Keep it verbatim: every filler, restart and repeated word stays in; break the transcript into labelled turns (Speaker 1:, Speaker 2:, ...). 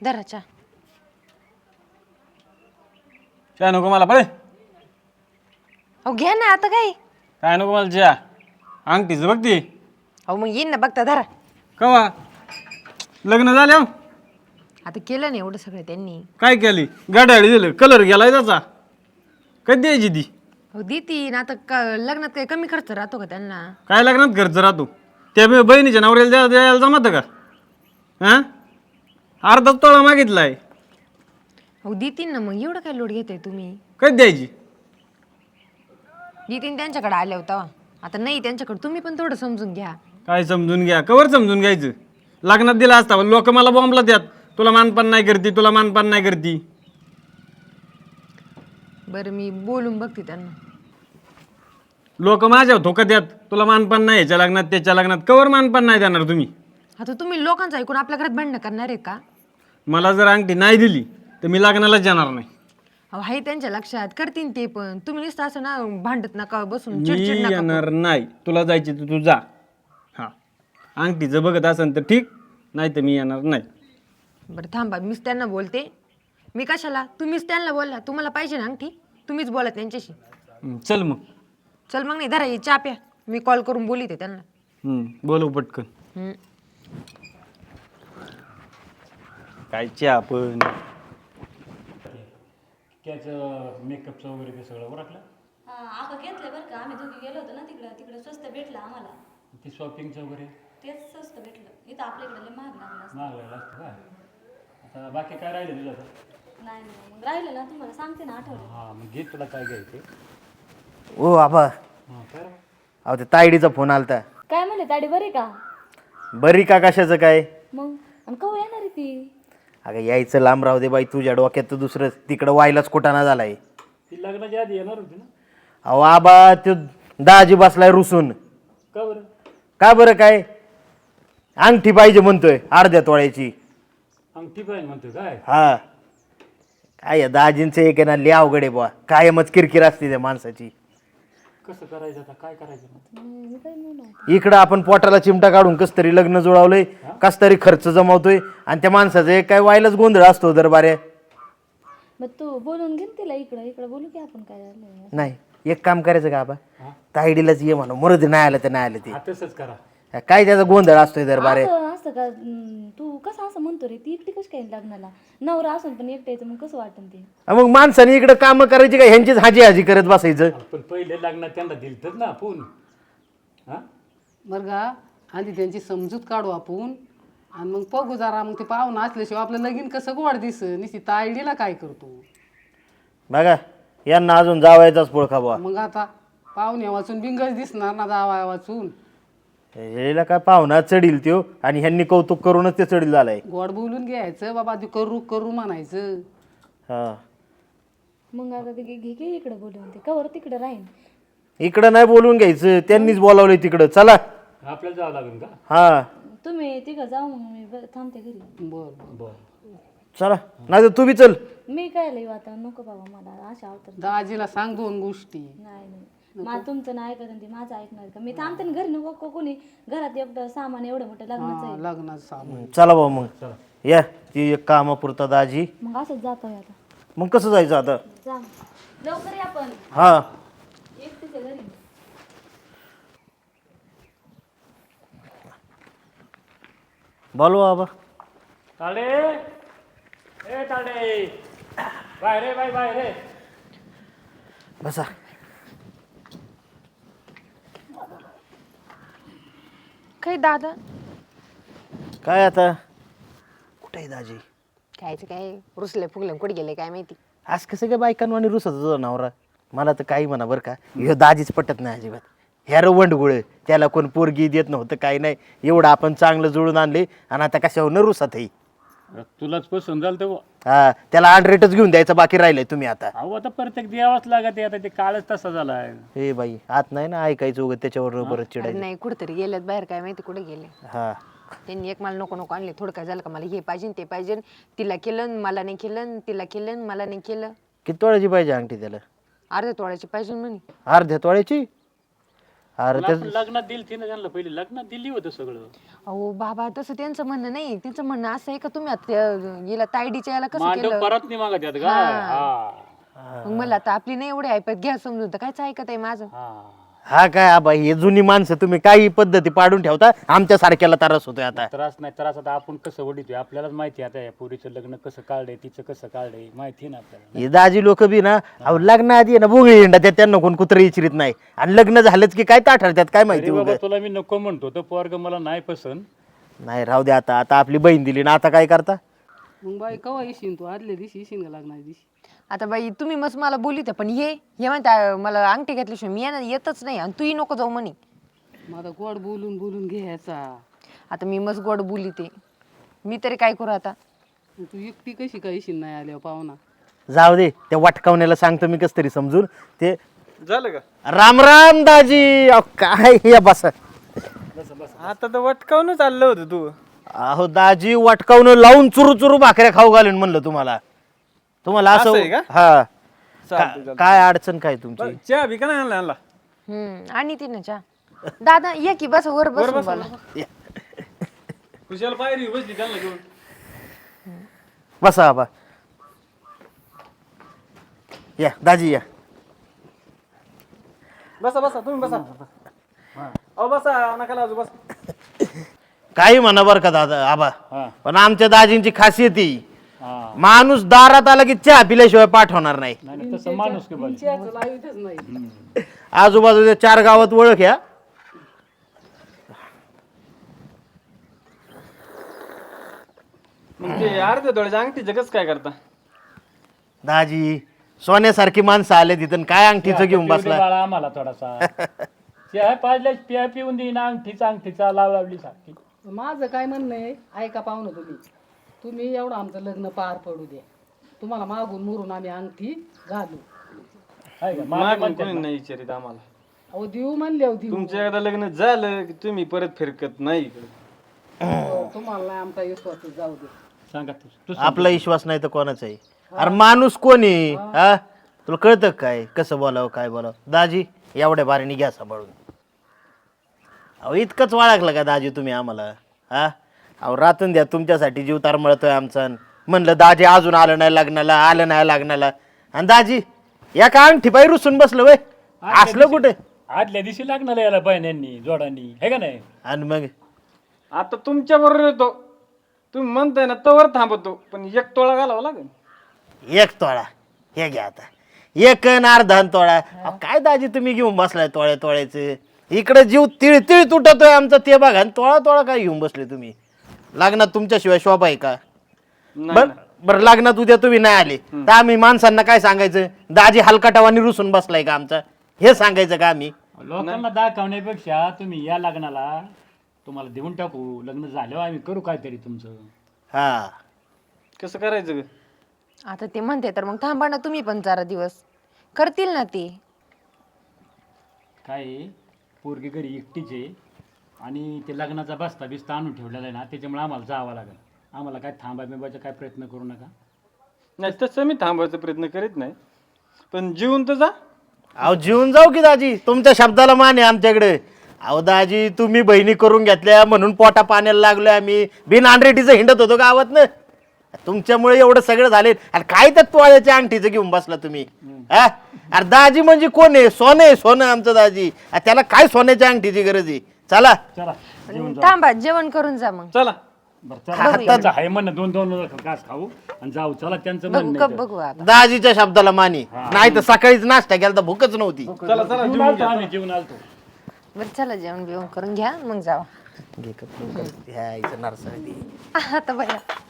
Speaker 1: दराच्या
Speaker 2: चहा नको मला पळे.
Speaker 1: अहो घ्या ना आता काय.
Speaker 2: काय नको मला चहा. अंगठीचं बघ ती.
Speaker 1: अहो मग येईन ना बघता धरा.
Speaker 2: कवा लग्न झालं
Speaker 1: आता केलं ना एवढं सगळं त्यांनी.
Speaker 2: काय केली गाड्याळी दिलं कलर गेलाय त्याचा. कधी द्यायची ती.
Speaker 1: हो देती ना आता का लग्नात काही कमी खर्च राहतो का त्यांना.
Speaker 2: काय लग्नात खर्च राहतो त्या बी बहिणीच्या नवऱ्याला द्या द्यायला जमत का. हां अर्धा तोळा मागितलाय.
Speaker 1: हो देतीन ना मग एवढं काय लोड घेताय तुम्ही.
Speaker 2: कधी द्यायची.
Speaker 1: देतीन त्यांच्याकडे आल्या होता. आता नाही त्यांच्याकडे तुम्ही पण थोडं समजून घ्या.
Speaker 2: काय समजून घ्या कवर समजून घ्यायचं. लग्नात दिला असता लोक मला बॉम्बला द्यात. तुला मानपान नाही करती तुला मानपान नाही करती.
Speaker 1: बरं मी बोलून बघते त्यांना.
Speaker 2: लोक माझ्या धोका द्यात. तुला मानपान नाही याच्या लग्नात त्याच्या लग्नात कवर मानपान नाही देणार तुम्ही.
Speaker 1: आता तुम्ही लोकांचं ऐकून आपल्या घरात भांडणं करणार आहे का.
Speaker 2: मला जर अंगठी नाही दिली तर मी लग्नालाच जाणार नाही.
Speaker 1: अहो आहे त्यांच्या लक्षात करतीन ते पण. तुम्ही नुसतं असं ना भांडत नका बसून
Speaker 2: मी
Speaker 1: चिडचिड नका करू.
Speaker 2: येणार नाही. तुला जायची तर तू जा. हा अंगठीचं बघत असेल तर ठीक नाही तर मी येणार नाही.
Speaker 1: बरं थांबा मीच त्यांना बोलते. मी कशाला तुम्हीच त्यांना बोलला. तुम्हाला पाहिजे ना अंगठी तुम्हीच बोला त्यांच्याशी.
Speaker 2: हं, चल मग.
Speaker 1: चल मग नाही धरा ही चहा प्या. मी कॉल करून बोलिते त्यांना.
Speaker 2: हं, बोलव पटकन.
Speaker 1: हम्म.
Speaker 2: काय चहा पण
Speaker 3: मेकअपचं वगैरे ते सगळं ओळखलं.
Speaker 4: आका घेतलंय बरं का. आम्ही दोघी गेलो होतो ना तिकडं तिकडं स्वस्त भेटलं आम्हाला.
Speaker 3: ते शॉपिंगचं वगैरे
Speaker 4: तेच स्वस्त भेटलं. इथं आपल्याकडे लय महाग लागलं असतं.
Speaker 3: महाग लागलं असतं काय. आता बाकी काय राहिलं तुझं आता.
Speaker 4: नाही नाही मग राहिलं ना तुम्हाला सांगते ना आठवलं.
Speaker 3: हां मग घे तुला काय घ्यायचं.
Speaker 5: ओ आबा
Speaker 3: हां काय रे?
Speaker 5: अहो ते तायडीचा फोन आलता.
Speaker 4: काय म्हणले ताडी बरी का.
Speaker 5: बरी का कशाचं काय.
Speaker 4: मग आणि कवा येणार आहे ती.
Speaker 5: अगं यायचं लांब राहू दे बाई. तुझ्या डोक्यात तर दुसरं तिकडं व्हायलाच कुटाणा झालाय.
Speaker 3: ती लग्नाच्या आधी येणार होती ना.
Speaker 5: अहो आबा तो दाजी बसलाय रुसून.
Speaker 3: का बरं.
Speaker 5: का बरं काय अंगठी पाहिजे म्हणतोय अर्ध्या तोळ्याची.
Speaker 3: अंगठी पाहिजे म्हणतोय काय.
Speaker 5: हा काय या दाजींचं एक आहे ना लय अवघड आहे बुवा. कायमच किरकिर असते त्या माणसाची.
Speaker 3: कसं करायचं आता काय करायचं.
Speaker 5: इकडं आपण पोटाला चिमटा काढून कस तरी लग्न जुळवलंय कस तरी खर्च जमवतोय आणि त्या माणसाचं एक काय व्हायलाच गोंधळ असतो दरबारे.
Speaker 4: मग तू बोलून घे तिला इकडं इकडं बोलू की आपण काय झालं.
Speaker 5: नाही एक काम करायचं का आबा तायडीलाच ये म्हणून मरद नाही आलं तर नाही आलं
Speaker 3: हा तसंच करा.
Speaker 5: ते काय त्याचा गोंधळ असतोय दरबारे.
Speaker 4: असं असतं का. हम्म, तू कसं असं म्हणतो रे. ती एकटी कशी काय लग्नाला. नवरा असून पण एकट्याचं मग कसं वाटन ते.
Speaker 5: मग माणसाने इकडे काम करायची का ह्यांचीच हाजी हाजी करत बसायचं.
Speaker 3: पण पहिले लग्नात त्यांना दिलतच ना आपण. हां
Speaker 6: बरं का आधी त्यांची समजूत काढू आपण आणि मग बघू जरा. मग ते पाहुणं असल्याशिवाय आपलं लगीन कसं गोड दिस निश्चित तायडीला काय करतो.
Speaker 5: बघा यांना अजून जावायचाच पोळखा बुवा.
Speaker 6: मग आता पाहुण्या वाचून बिंगच दिसणार ना जावाया वाचून.
Speaker 5: ह्याला काय पाहुणा चढील त्यो आणि ह्यांनी कौतुक करूनच ते चढील झालाय.
Speaker 6: गोड बोलून घ्यायचं बाबा ते करू करू म्हणायचं.
Speaker 5: हा
Speaker 4: मग आता ते घे घे इकडं बोलून ते कवर तिकडं राहीन.
Speaker 5: इकडं नाही बोलवून घ्यायचं त्यांनीच बोलावलंय तिकडं. चला
Speaker 3: आपल्याला जावं लागेल का.
Speaker 5: हा
Speaker 4: तुम्ही तिघं जाऊ मग मी ब- थांबते घरी.
Speaker 6: बर बर
Speaker 3: बरं
Speaker 5: चला नाही तर तू बी चल.
Speaker 4: मी काय लई आता नको बाबा मला अशा अवतर.
Speaker 6: दाजीला सांग दोन गोष्टी.
Speaker 4: नाही नाही मला तुमचं नाही ऐकत आणि ते माझं ऐकणार का. मी थांबते ना घरी नको को- कोणी घरात एकटं सामान एवढं मोठं लग्नाचं
Speaker 6: हा,
Speaker 4: आहे.
Speaker 6: लग्नाचं सामान.
Speaker 5: चला भाऊ मग या ती एक कामापुरता दाजी.
Speaker 4: मग असंच जातोय आता.
Speaker 5: मग कसं जायचं आता.
Speaker 4: जा लवकर या पण.
Speaker 5: हा
Speaker 4: एकटीच आहे घरी.
Speaker 5: बोलवा बाबा.
Speaker 3: ताडे ए ताडे बाय रे बाय बाय रे.
Speaker 5: बसा.
Speaker 1: काय दादा
Speaker 5: काय आता कुठे आहे दाजी.
Speaker 1: कायचं काय रुसले फुगले कुठे गेले काय माहिती.
Speaker 5: आज कसं काय बायकांवाणी रुसत तुझा नवरा. मला तर काही म्हणा बरं का ह्यो दाजीच पटत नाही अजिबात. ह्या रवंडगुळ त्याला कोण पोरगी देत नव्हतं काही नाही. एवढं आपण चांगलं जुळून आणले आणि आता कशावर न रुसत आहे.
Speaker 3: तुलाच पसंत झालं तर.
Speaker 5: हा त्याला आंड्रेटच घेऊन द्यायचं बाकी राहिलंय तुम्ही आता.
Speaker 3: अहो आता प्रत्येक द्यावाच लागत आता ते काळच तसा झाला आहे.
Speaker 5: हे बाई आत नाही ना ऐकायचं उगत त्याच्यावर बरं
Speaker 1: अरे
Speaker 5: चिडायचं.
Speaker 1: नाही कुठेतरी गेलेत बाहेर काय माहिती कुठे गेले.
Speaker 5: हा
Speaker 1: त्यांनी एक मला नको नको आणले. थोडं काय झालं का मला हे पाहिजे ते पाहिजे. तिला केलं मला नाही केलं. तिला केलं मला नाही केलं.
Speaker 5: किती तोळ्याची पाहिजे अंगठी त्याला.
Speaker 1: अर्ध्या तोळ्याची पाहिजे म्हणे.
Speaker 5: अर्ध्या तोळ्याची अरे
Speaker 3: पण
Speaker 5: ते
Speaker 3: आपण लग्नात दिली ती ना त्यांना पहिली लग्नात दिली होतं सगळं
Speaker 1: अहो बाबा तसं त्यांचं म्हणणं नाही त्यांचं म्हणणं असं आहे का तुम्ही आता त्या- हिला तायडीच्या याला कसं
Speaker 3: मांडव
Speaker 1: केलं
Speaker 3: परत नाही मागत यात काय हा
Speaker 1: मग मला आता आपली नाही एवढी ऐपत घ्या समजून तर कायच ऐकत आहे माझं
Speaker 3: हा
Speaker 5: हा काय आबा हे जुनी माणसं तुम्ही काही पद्धती पाडून ठेवता आमच्या सारख्याला त्रास होतोय आता
Speaker 3: त्रास नाही त्रास आता आपण कसं वडितोय आपल्यालाच माहिती आहे आता या पोरीचं लग्न कसं काढलंय तिचं कसं काढलंय माहिती आहे ना आपल्याला
Speaker 5: हे दाजी लोक बी ना अहो लग्न आधी आहे ना बोगळी हिंडा त्यात त्यांना कोण कुत्र इचरीत नाही आणि लग्न झालंच की काय ताठरतात काय माहिती
Speaker 3: अरे बाबा
Speaker 5: उगाच.
Speaker 3: तुला मी नको म्हणतो तर पोरग मला नाही पसंत
Speaker 5: नाही राहू दे आता आता आपली बहीण दिली ना आता काय करता
Speaker 6: मग बाई कवा येशील तू आदल्या दिवशी येशील का लग्नाच्या दिवशी
Speaker 1: आता बाई तुम्ही मस्त मला बोलित पण ये हे म्हणता मला अंगठी घातल्याशिवाय मी येणार येतच नाही आणि तूही नको जाऊ म्हणे
Speaker 6: मग आता गोड बोलून बोलून घ्यायचा
Speaker 1: आता मी मस्त गोड बोलिते मी तरी काय करू आता
Speaker 6: तू एकटी कशी काय येशील नाही आल्यावर पाहुणा
Speaker 5: जाऊ दे त्या वाटकावण्याला सांगतो मी कस तरी समजून ते
Speaker 2: झालं का
Speaker 5: राम राम दाजी अहो, काय हे बसा
Speaker 2: आता तर वटकावून चाललं होतं तू
Speaker 5: अहो दाजी वाटकावून लावून चुरू चुरू भाकऱ्या खाऊ घालून म्हणलं तुम्हाला तुम्हाला
Speaker 2: असं
Speaker 5: असं
Speaker 2: आहे का?
Speaker 5: हा
Speaker 2: चालतंय,
Speaker 5: का-
Speaker 2: चालतंय.
Speaker 5: काय अडचण काय तुमची
Speaker 2: चहा बी का नाही आणला आणला
Speaker 1: हम्म आणि ती ना चहा दादा ये की बस वर बस बोला
Speaker 2: खुशाल पायरी बसली त्यांना घेऊन
Speaker 5: बसा आबा या दाजी या
Speaker 2: बसा बसा तुम्ही बसा अहो बसा नका लाजू बस
Speaker 5: काही म्हणा बरं का दादा आबा
Speaker 3: हा
Speaker 5: पण आमच्या दाजींची खासियत ही
Speaker 3: हा
Speaker 5: माणूस दारात आला की चहा पिल्याशिवाय पाठवणार नाही
Speaker 3: नाही नाही, तसं माणूस की पाहिजे
Speaker 6: चहाचं लावीतच नाही
Speaker 5: आजूबाजूच्या चार गावात ओळख या
Speaker 2: मग ते अर्ध्या डोळ्याच्या अंगठी जगच काय करता
Speaker 5: दाजी सोन्यासारखी माणसं आले तिथं काय अंगठीचं घेऊन
Speaker 3: पिऊ दे
Speaker 5: बसला
Speaker 3: बाळा आम्हाला थोडासा चहा पाजल्या पिया पिऊन देईन अंगठीचा अंगठीचा लाव लावली सारखी
Speaker 6: माझं काय म्हणणं आहे ऐका पाहुणं तुम्ही तुम्ही एवढं आमचं लग्न पार पडू द्या तुम्हाला मागून मुरून आम्ही अंगठी घालू
Speaker 3: आहे का मागे
Speaker 2: मागून
Speaker 3: म्हणतात
Speaker 2: कोणी
Speaker 3: ना.
Speaker 2: नाही विचारित आम्हाला
Speaker 6: अहो देऊ म्हणले हो देऊ
Speaker 2: तुमचं एकदा लग्न झालं की तुम्ही परत फिरकत नाही इकडे.
Speaker 6: हो, तुम्हाला नाही आमचा विश्वास जाऊ दे
Speaker 3: सांगा तू तू
Speaker 5: आपला विश्वास नाही तर कोणाचा आहे अरे माणूस कोणी हा तुला कळतं का काय कसं बोलावं काय बोलावं दाजी एवढ्या बारीने घ्या सांभाळून अहो इतकंच वाळखलं का दाजी तुम्ही आम्हाला हा अहो रातून द्या तुमच्यासाठी जीव तारमळतोय आमचा म्हणलं दाजी अजून आलं नाही लग्नाला आलं नाही लग्नाला आणि दाजी या का अंगठी पाय रुसून बसलं वय असलं कुठे
Speaker 3: आदल्या दिवशी लागणार याला बहिण्यांनी जोडांनी हे का नाही
Speaker 5: आणि मग
Speaker 2: आता तुमच्या बरोबर येतो तुम्ही म्हणताय ना तवर थांबतो पण एक तोळा घालावा लागेल
Speaker 5: एक तोळा हे घ्या आता एक अन अर्धा अन तोळा अहो, काय दाजी तुम्ही घेऊन बसलाय तोळ्या तोळ्याचे इकडे जीव तिळ तिळ तुटतोय आमचा ते बघा आणि तोळा तोळा काय घेऊन बसले तुम्ही लग्नात तुमच्याशिवाय शोभा आहे का
Speaker 2: नाही
Speaker 5: बर बरं लग्नात उद्या तुम्ही नाही आले तर आम्ही माणसांना काय सांगायचं दाजी हलकाटावानी रुसून बसलाय का आमचा हे सांगायचं का आम्ही
Speaker 3: लोकांना दाखवण्यापेक्षा तुम्ही या लग्नाला तुम्हाला देऊन टाकू लग्न झाल्यावर आम्ही करू काहीतरी तुमचं
Speaker 5: हा
Speaker 2: कसं करायचं ग?
Speaker 1: आता ते म्हणते तर मग थांबा ना तुम्ही पण जरा दिवस करतील ना ते
Speaker 3: काय आहे, पोरगी घरी एकटीच आहे आणि ते लग्नाचा बस्ता बिस्ता आणून ठेवलेला आहे ना त्याच्यामुळे आम्हाला जावं लागेल आम्हाला काय थांबा बिंबायचा काय प्रयत्न करू नका
Speaker 2: नाही तसं मी थांबवायचा प्रयत्न करीत नाही पण जीवन तर जा
Speaker 5: अहो जीवन जाऊ की दाजी तुमच्या शब्दाला मान आहे आमच्याकडे अहो दाजी तुम्ही बहिणी करून घेतल्या म्हणून पोटा पाण्याला लागलोय आम्ही बिन आंड्रेटीचं हिंडत होतो गावात ना तुमच्यामुळे एवढं सगळं झाले आणि काय तर तोळ्याच्या अंगठीचं घेऊन बसला तुम्ही हा अरे दाजी म्हणजे कोण आहे सोनं आहे सोनं आमचं दाजी आ, त्याला काय सोन्याच्या अंगठीची गरज आहे चला
Speaker 3: चला
Speaker 1: थांबा जेवण करून जा मग
Speaker 2: चला
Speaker 3: बरं चला त्यांचं आहे म्हणणं दोन दोन घास खाऊ आणि जाऊ चला त्यांचं
Speaker 1: बघू
Speaker 3: म्हणणं
Speaker 1: कप
Speaker 3: आहे
Speaker 1: बघू आता
Speaker 5: दाजीच्या शब्दाला मानी नाही तर सकाळीच नाश्ता केला तर भूकच नव्हती
Speaker 2: चला चला
Speaker 3: तर. जेवून आलतो आम्ही जेवून आलतो
Speaker 1: बरं चला जेवण बिवण करून घ्या मग जावा
Speaker 5: घे कप लवकर. ह्या आईचं नारसाळी.
Speaker 1: आता बघा